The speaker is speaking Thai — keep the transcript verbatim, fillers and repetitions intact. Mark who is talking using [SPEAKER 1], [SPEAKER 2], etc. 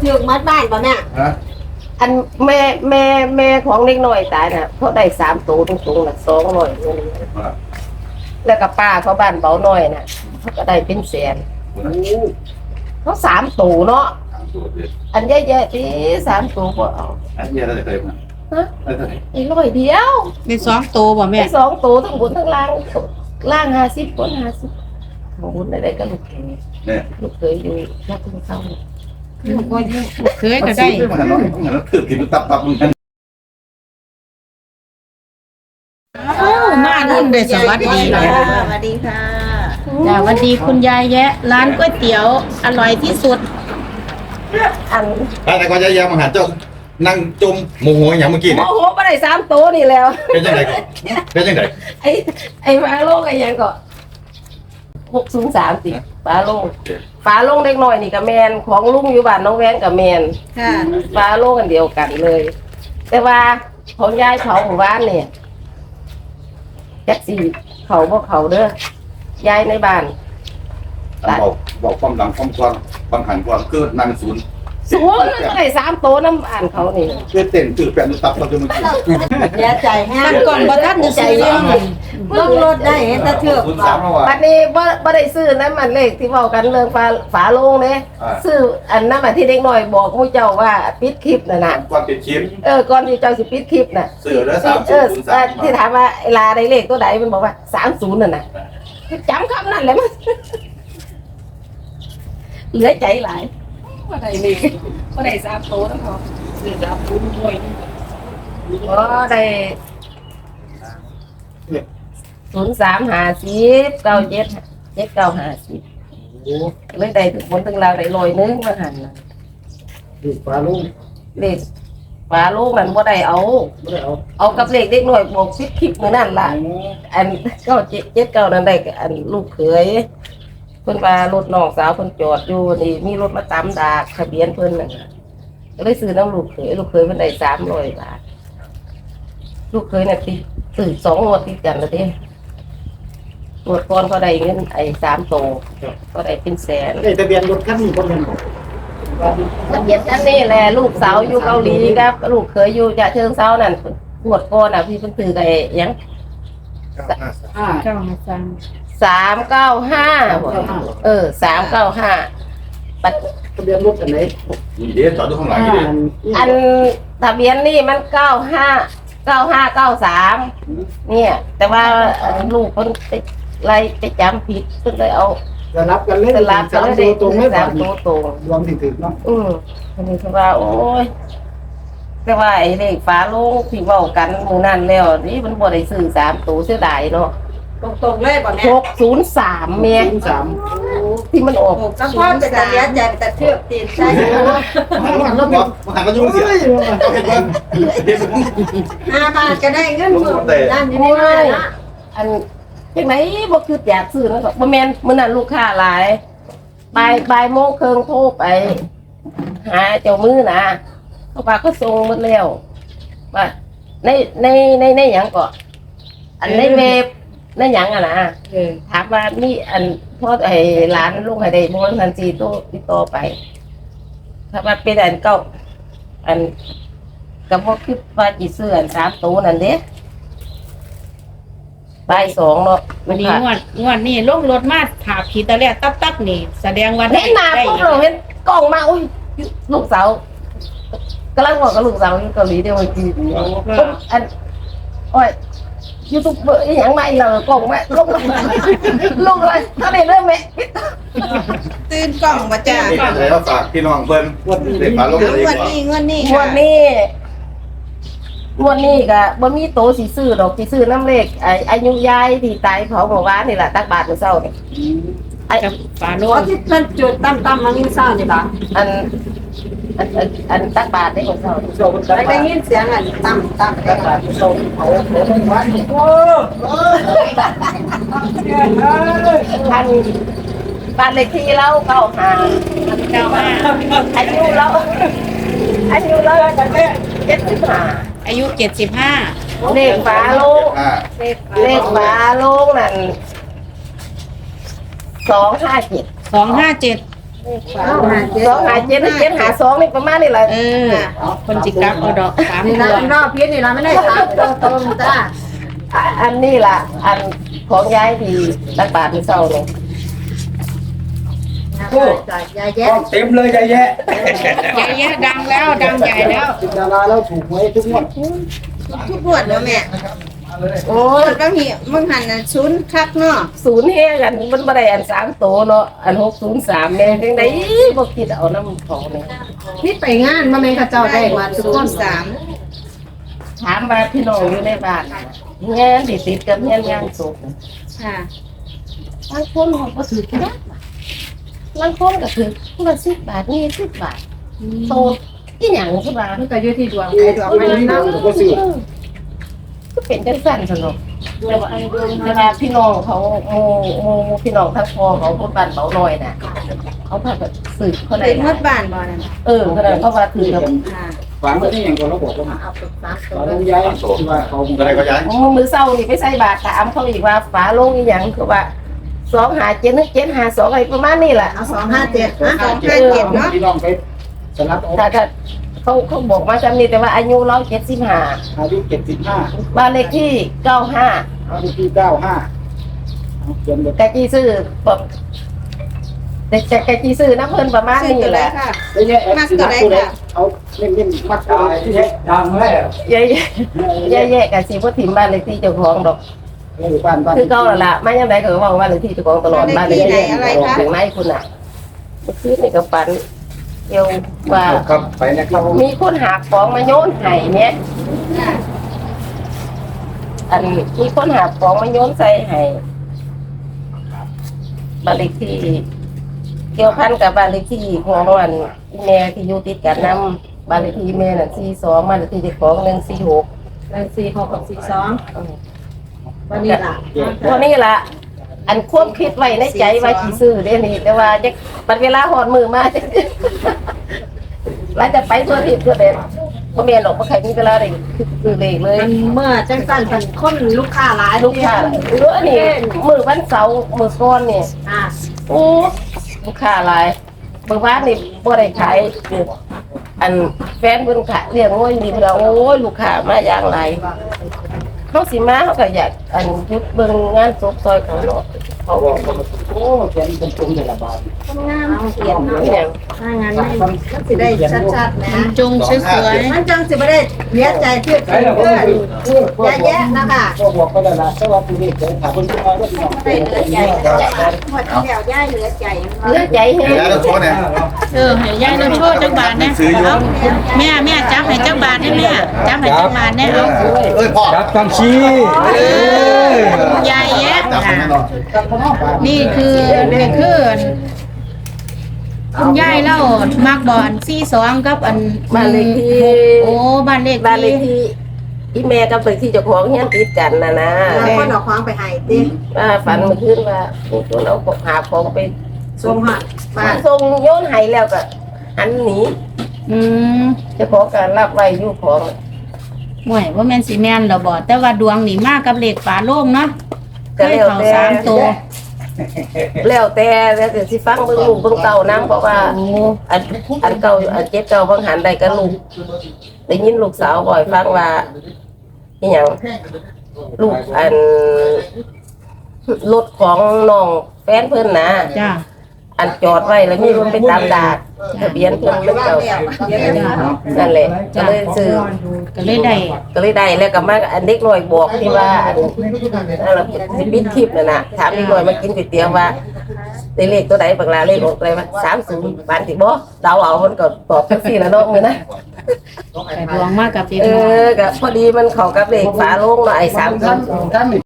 [SPEAKER 1] ถือมัดบ้านป่ะแม่
[SPEAKER 2] อันแม่แม่แม่ของเล็กน้อยตายน่ะเขาได้สามตัวตรงๆน่ะสองร้อยแล้วก็ป้าเขาบ้านเบาหน่อยน่ะเขาก็ได้เป็นแสนเขาสามตัวเนาะอันแย่ๆที่สามตัวก็เอา
[SPEAKER 3] อันเยอะได้เลยมั้ยฮะ
[SPEAKER 2] ไอ้ร้อยเดียว
[SPEAKER 4] มีสองตัวบ่แม่
[SPEAKER 2] สองตัวทั้งบนทั้งล่างล่างห้าสิบบนห้าสิบของบุญอะไรก็ลูกเขยเนี่ยลูกเขยอยู่รักคุณเขาลูกก็ลูกเขยก็ได้
[SPEAKER 3] ถือกินตับตับมึงกัน
[SPEAKER 4] มารุ่นเลยสวัสดี
[SPEAKER 1] สวัสดีค่ะ
[SPEAKER 4] จ้าสวัสดีคุณยายแยะร้านก๋วยเตี๋ยวอร่อยที่สุด
[SPEAKER 2] อัน
[SPEAKER 3] แต่ก็จะยังมาหาเจ้านั่งจมโมโหอย่างเมื่อกี้
[SPEAKER 2] เนี่ยโมโหไปได้สามตัวนี่แล้ว
[SPEAKER 3] เป็นยังไงก่อนเป็นยังไง
[SPEAKER 2] ไอ้ไอ้ฟ้าโล่งไอ้ยังก็หกศูนย์สามสิฟ้าโล่งฟ้าโล่งเล็กน้อยนี่กับแมนของลุงอยู่บ้านน้องแวนกับแมนค่ะฟ้าโล่งกันเดียวกันเลย แต่ว่าของยายเขาหมู่บ้านเนี่ยแจ็คสี่เขาพวกเขาเด้อยายในบ้าน
[SPEAKER 3] บอกบอกความหลังความความความหันความเกิดนั่งศูนย์
[SPEAKER 2] ศูนย์ก็ได้สามโตน้ำอ่านเขานี่
[SPEAKER 3] เพื่อเต้นตื่นแปลงตับเราจะมากิน
[SPEAKER 1] เสียใจแห้ง
[SPEAKER 4] ก่อนบ่ทันจะซื้อ
[SPEAKER 1] เบิ่งรถได้เห็นแต่เถือก
[SPEAKER 2] บัดนี้บ่บ่ได้ซื้อนั้นมันเลขที่เว้ากันเรื่องฝาฝาโลงเด้ซื้ออันนั้นมาที่เด็กน้อยบอกผู้เจ้าว่าปิดคลิปน่ะน่ะ
[SPEAKER 3] ก่อนปิดคลิป
[SPEAKER 2] เออก่อนที่เจ้าสิปิดคลิปน่ะ
[SPEAKER 3] ซื้อแล้วสามศูนย์สาม
[SPEAKER 2] ที่ถามว่าไอ้ลาได้เลขตัวใดมันบอกว่าสามสิบนั่นน่ะจำคำนั้นแหละมันเหลือใจหลายว่าได้เลขว่าได้สามโตทั้งหมดซื้อสามศูนย์ด้วยอ๋อได้ศูนย์สามห้าสิบเก้าเจ็ดเจ็ดเก้าห้าสิบเลยได้ถึงบนถึงเราได้ลอยนึงมาหันนะ
[SPEAKER 3] เลขฟ้าลูก
[SPEAKER 2] เลขฟ้าลูกมันบ่ได้เอาเอากับเลขเด็กหน่อยบอกซิปคลิปมือนั่นล่ะอันเก้าเจ็ดเจ็ดเก้านั่นได้อันลูกเขยเพิ่นว่ารถน้องสาวเพิ่นจอดอยู่นี่มีรถมาตามดากทะเบียนเพิ่นน่ะก็เลยซื้อน้ำลูกเขยลูกเขยเพิ่นได้สามร้อยบาทลูกเขยน่ะติดซื้อสองงวดติดกันแล้วเด้งวดก่อนเขาได้เงินไอ้สามโตก็ได้เป็นแสน
[SPEAKER 3] ทะเบียนรถคันนี้บ่แม่นบ่
[SPEAKER 2] ทะเบียนคันนี้แหละลูกสาวอยู่เกาหลีครับลูกเขยอยู่จะเชิงเซานั่นงวดก่อนน่ะพี่เพิ่นซื้อไอ้ยัง
[SPEAKER 4] เก้าห้าสาม
[SPEAKER 2] สามเก้าห้าเออสามเก้าห้าปัด
[SPEAKER 3] ทะเบียนรถอันไหนเดี๋ยวจอดดูข้างหลังนี่
[SPEAKER 2] อันทะเบียนนี่มันเก้าห้าเก้าห้าเก้าสามเนี่ยแต่ว่าลูกคนไปไล่ไปจำผิดก็เลยเอา
[SPEAKER 3] จะรับกันเล่น
[SPEAKER 2] สลับกันเลยตรงไม่สามตัวตรง
[SPEAKER 3] รวมถึงเนาะ
[SPEAKER 2] อืมอันนี้คือว่าโอ้ยแต่ว่าไอ้เลขฟ้าโลกที่เว้ากันมือนั่นแล้วนี่มันบ่ได้ซื้อสามตัวเสียดายเนาะ
[SPEAKER 1] ตรงๆเลยป่ะแม่
[SPEAKER 2] หกศูนย์สามเมตรที่มันออก
[SPEAKER 1] ก็พ่อจะเลี้ยงใจแต่เทือกตีนใช่ไหม
[SPEAKER 3] มันรถมันหันมายุ่งเสีย
[SPEAKER 1] ห้าบาทก็ได้เงินหมื่นนั่นอยู่ในบ้านนะ
[SPEAKER 2] อันจังไหนบ่คืออยากซื้อแล้วก็บ่แม่นมื้อนั้นลูกค้าหลายบ่ายบ่ายโมงครึ่งโทรไปหาเจ้ามือนะเขาว่าเขาส่งหมดแล้วว่าในในในในหยังก็อันในเว็บในหยังอ่ะนะถามว่ามีอันพ่อไอ้ร้านลูกให้ได้บ่ทันสิโตติดต่อไปถ้าว่าเป็นอันเก่าอันก็บ่คิดว่าสิซื้ออันสามตัวนั่นเด้ใบสองเนาะ
[SPEAKER 4] วันนี้งวดงวดนี่ลงรถมาถาผีตะแลตับตับนี่แสดงว่า
[SPEAKER 2] เห็นหน้าปุ๊บเราเห็นกล้องมาอุ้ยลูกสาวกำลังบอกกับลูกสาวอยู่เกาหลีเดี๋ยววันจีอันโอ้ยยูทูบเบอร์อย่างไรเรากล้องแม่ลงลงเลยถ้าได้เริ่มแม่
[SPEAKER 1] ตื่นกล้องมาจ้า
[SPEAKER 3] แล้วฝากพี่น้องเพิ่นเด็กฝาลงเลย
[SPEAKER 1] งวดนี้งวดนี้
[SPEAKER 2] งวดนี้งวดนี้ก็บ่มีโตสิซื้อดอกสิซื้อน้ำเลขไอ้อายุยายที่ตายเผาเมื่อวานนี่แหละตักบาทมื้อเช้านี่
[SPEAKER 4] ไอ้ฝาโล
[SPEAKER 1] งที่เพิ่นจุดตั้มๆมามื้อเช้านี่ล่ะ
[SPEAKER 2] อันอันอันตักบาทได้มื้อเช้า
[SPEAKER 1] ได้ได้ยินเสียงอันตั้มๆตักบาท
[SPEAKER 2] โซนเผาเมื่อวานนี่โอ้ท่านบ้านเลขที่เราเก้าห้าเก้าห้าอายุเราอายุเราเจ็ดสิบห้า
[SPEAKER 4] อายุเจ็ดสิบห้า
[SPEAKER 2] เลขฝาโลงเลขฝาโลงนั่นสองห้าเจ็ด
[SPEAKER 4] สองห้าเจ็ด
[SPEAKER 2] เสองหาเจ็ดเจ็ดหาสองนี่ประมาณนี่แหละ
[SPEAKER 4] เออคนจิกลับเอาดอกสาม
[SPEAKER 1] นี่
[SPEAKER 4] ตั
[SPEAKER 1] นะ
[SPEAKER 4] ว
[SPEAKER 1] รอบพีนี่เราไม่ได้สามตัวตรงจ้า
[SPEAKER 2] อ่ะอันนี้ล่ะ อันของยายที่ตักบาทที่เศร้าเนี่ย
[SPEAKER 1] ยายแย้
[SPEAKER 5] เต็มเลยยายแยะ
[SPEAKER 4] ยายแยะดังแล้วดังใหญ่แล้ว
[SPEAKER 5] ดาราแล้วถูกหวยทุกงวด
[SPEAKER 1] ทุกบวชแล้วแม่
[SPEAKER 2] โอ้ย
[SPEAKER 1] บางทีมึงหันน่ะชุนคักเนาะ
[SPEAKER 2] ศูนย์เฮกันมันบ่ได้อันสามโตเนาะอันหกศูนย์สามเนี่ยจังไดบ่คิดเอาน้ำเขาเนี่ย
[SPEAKER 1] พี่ไปงานมาแม่ข้าเจ้าได้มาทุกคนสาม
[SPEAKER 2] ถามว่าพี่น้องอยู่ในบ้านงานที่ติดกับงานงานศพ
[SPEAKER 1] ค่ะ
[SPEAKER 2] บางคนเขาก็ถือกันบางคนก็ถือคนละสิบบาทนี่สิบบาทโตที่หยังใช่ปะ
[SPEAKER 1] มันก็อยู่ที่ดวงใครดวงมันเนาะ
[SPEAKER 5] ก็ซื้อ
[SPEAKER 2] ก็เป็นจังสั่นสนุกแต่ว่าแต่ว่าพี่น้องเขาโมโมพี่น้องทั้งพ่อเขาคนบ้านเบาหน่อยน่ะเขาพาแบบสืบเขาได้
[SPEAKER 1] เป็นมดบ้านบ่นั่น
[SPEAKER 2] เออเขาได้เขาว่าถือกับ
[SPEAKER 1] ค่ะ
[SPEAKER 5] ฝังไว้ที่อย่างก่อนเราบอกว่า
[SPEAKER 1] เอาไปสามตั
[SPEAKER 5] ฝั
[SPEAKER 1] ว
[SPEAKER 5] งลงย้ายที่ว่าเขา
[SPEAKER 3] อะไรก็ย้าย
[SPEAKER 2] มือเศร้านี่ไปใส่บาตรถามเขาอีกว่าฝาโลงอีหยังคือว่าสองหาเจ็ดนึกเจ็ดหาสองอะไรประมาณนี้แหละ
[SPEAKER 1] เอาสองห้าเจ็ดนะสองห้าเจ็ดเนาะ
[SPEAKER 5] พี่น้องไปสนับเอา
[SPEAKER 2] ถ้าถ้าเขาเขาบอกมาจำนี้แต่ว่าอายุเราเจ็ดสิบห้า
[SPEAKER 5] อายุเจ็ดสิบห้า
[SPEAKER 2] บ้านเลขที่เก้าห้า
[SPEAKER 5] อายุที่เก้าห้าเขียนแบบ
[SPEAKER 2] กะจีซื้อแบบแต่แต่กะจีซื้อน้ำเพิ่นประมาณ
[SPEAKER 1] ซื้อ
[SPEAKER 2] นี้
[SPEAKER 1] ตัว
[SPEAKER 2] แห
[SPEAKER 1] แร
[SPEAKER 2] ละ
[SPEAKER 1] กค่ะ
[SPEAKER 5] ได้แยะแอปตัวไหนตัวไหนเอาเล่นเล่นมัดตายที่แยะดังแล้ว
[SPEAKER 2] แย่แย่แย่ๆกะสีพ่ถิ่มบ้านเลขที่เจ้าของดอก
[SPEAKER 5] นี่บ้านบ้าน
[SPEAKER 2] คือเก่าแล้วล่ะไม่ยังไงก็ว่าบ้านเลขที่เจ้าของตลอดบ้านเลขที่อย่างไรคุณอ่ะคือในกระปันเกี่ยวว่า
[SPEAKER 5] ครับไปนะครับ
[SPEAKER 2] มีคนหาของมาโยนให้เนี่ยอันมีคนหาของมาโยนใส่ให้บ้านเลขที่เกี่ยวพันกับบ้านเลขที่ของวันแม่ที่อยู่ติดกันนำบ้านเลขที่แม่น่ะสี่สองบ้านเลขที่เจ้าของหนึ่งสี่หก
[SPEAKER 1] เลยสี่หกกับสี่สองวันนี้ล่ะ
[SPEAKER 2] พวกนี้ล่ะ อันควบคิดไว้ในใจว่าสิซื้อเด้นี่แต่ว่าจะบัดเวลาหอดมือมา ว่าจะไปตัวผิดตัวเด็ดบ่แม่นหรอกบ่ใครมีเวลาได้ซื้อเลขเลย
[SPEAKER 1] มันเมื่อจังสั้นเป็นคนลูกค้าหลาย
[SPEAKER 2] ลูกค้าหรืออันนี้มื้อวันเสาร์มื้อก่อนนี่
[SPEAKER 1] อ่า
[SPEAKER 2] โอ้ลูกค้าหลายเมื่อวานนี่บ่ได้ขายอันแฟนเพิ่นขายเลี้ยงโอ้ยนี่เพิ่นว่าโอ้ยลูกค้ามาอย่างไรเขาสิมาเขาก็อยากอันหยุดเบิ่งงานศพซอยเขาเนาะ
[SPEAKER 5] เขาบอกโอ้แขนเป็นตรงเลยละบาท
[SPEAKER 1] งานเขียน
[SPEAKER 2] อ
[SPEAKER 1] เนาะ
[SPEAKER 2] หยัง
[SPEAKER 1] ถ้างานไม่มันสิได้ชัดๆนะ
[SPEAKER 4] จงสวย
[SPEAKER 1] มันจังสิไม่ได้เสียใจเพื่อนเพื่อนเยอะแยะนะคะ
[SPEAKER 5] ก็บอกก็ได้ละสวัสดีเด็กถามคนที่มาว่าพี่น้อง
[SPEAKER 1] ไม่เหลือใจหมดที่แล้วย่ายเหลือใจ
[SPEAKER 2] เหลือใจแฮง
[SPEAKER 3] ย้ายแล้วโทษเนี่ย
[SPEAKER 4] ๆเออให้ยายเราโชว์จักบาทนะเอาแม่แม่จับให้จักบาทได้แม่จับให้จักบาทได้เอา
[SPEAKER 3] เอ้ยพ่อ
[SPEAKER 5] จับตังชี้
[SPEAKER 4] เออยายแยะ
[SPEAKER 3] จับ
[SPEAKER 4] นะ
[SPEAKER 3] แน่นอน
[SPEAKER 4] นี่คือนี่คือคุณยายเล่ามักบอลสี่สองกับอัน
[SPEAKER 2] บ้านเลขที่
[SPEAKER 4] โอ้บ้านเลข
[SPEAKER 2] บ้านเลขที่ที่แม่กับเลขที่เจ้าของเฮียนติดกันน่ะนะ
[SPEAKER 1] แล้วคนเอาของไปให้ติ
[SPEAKER 2] ว่าฝันเมื่อคืนว่ามีคนเอาของหาของไป
[SPEAKER 1] ส่งหัด
[SPEAKER 2] มา
[SPEAKER 1] บ้าน
[SPEAKER 2] ส่งโยนให้แล้วก็หันหนี
[SPEAKER 4] อืม
[SPEAKER 2] เจ้าของก็รับไว้อยู่ของ
[SPEAKER 4] ห่วยว่าแม่นสีแม่นเหรอบ่แต่ว่าดวงนี่มากกับเลขฝาโล่งเนาะเค
[SPEAKER 2] ก็
[SPEAKER 4] ย
[SPEAKER 2] แล้ว
[SPEAKER 4] เข้า
[SPEAKER 2] แต่
[SPEAKER 4] สามตัว
[SPEAKER 2] แล้วแต่แล้วแต่สิฟังเบิ่งลูกเบิ่งเต่านํเพราะว่าอันอันเก่าอันเจ็บเก่าบางหันได้กับลูกได้ยินลูกสาวบ่อยฟังว่าอีหยังลูกอันรถของน้องแฟนเพิ่นนะ
[SPEAKER 4] จ้า
[SPEAKER 2] อันจอดไว้แล้วมีรถไปตามดากทะเบียนเพิ่นเป็นเก่านั่นแหละก็เลยซื้อ
[SPEAKER 4] ก็เลยได้
[SPEAKER 2] ก็เลยได้แล้วก็มาอันเด็กน้อยบอกที่ว่าอันนั่นล่ะสิปิดคลิปนั่นน่ะถามเด็กน้อยมากินก๋วยเตี๋ยวว่าได้เลขตัวใดบักลาเลขออกอะไรวะสามสิบปานสิบ่เดาเอามันก็ตอบจังซี่ล่ะเนาะมื้อนะ
[SPEAKER 4] แต่ดวงมากกับพี่
[SPEAKER 2] เอ
[SPEAKER 4] น้อง
[SPEAKER 2] อก็พอดีมันเข้ากับเลขฝาโลงเนาะไอ้สามสิบ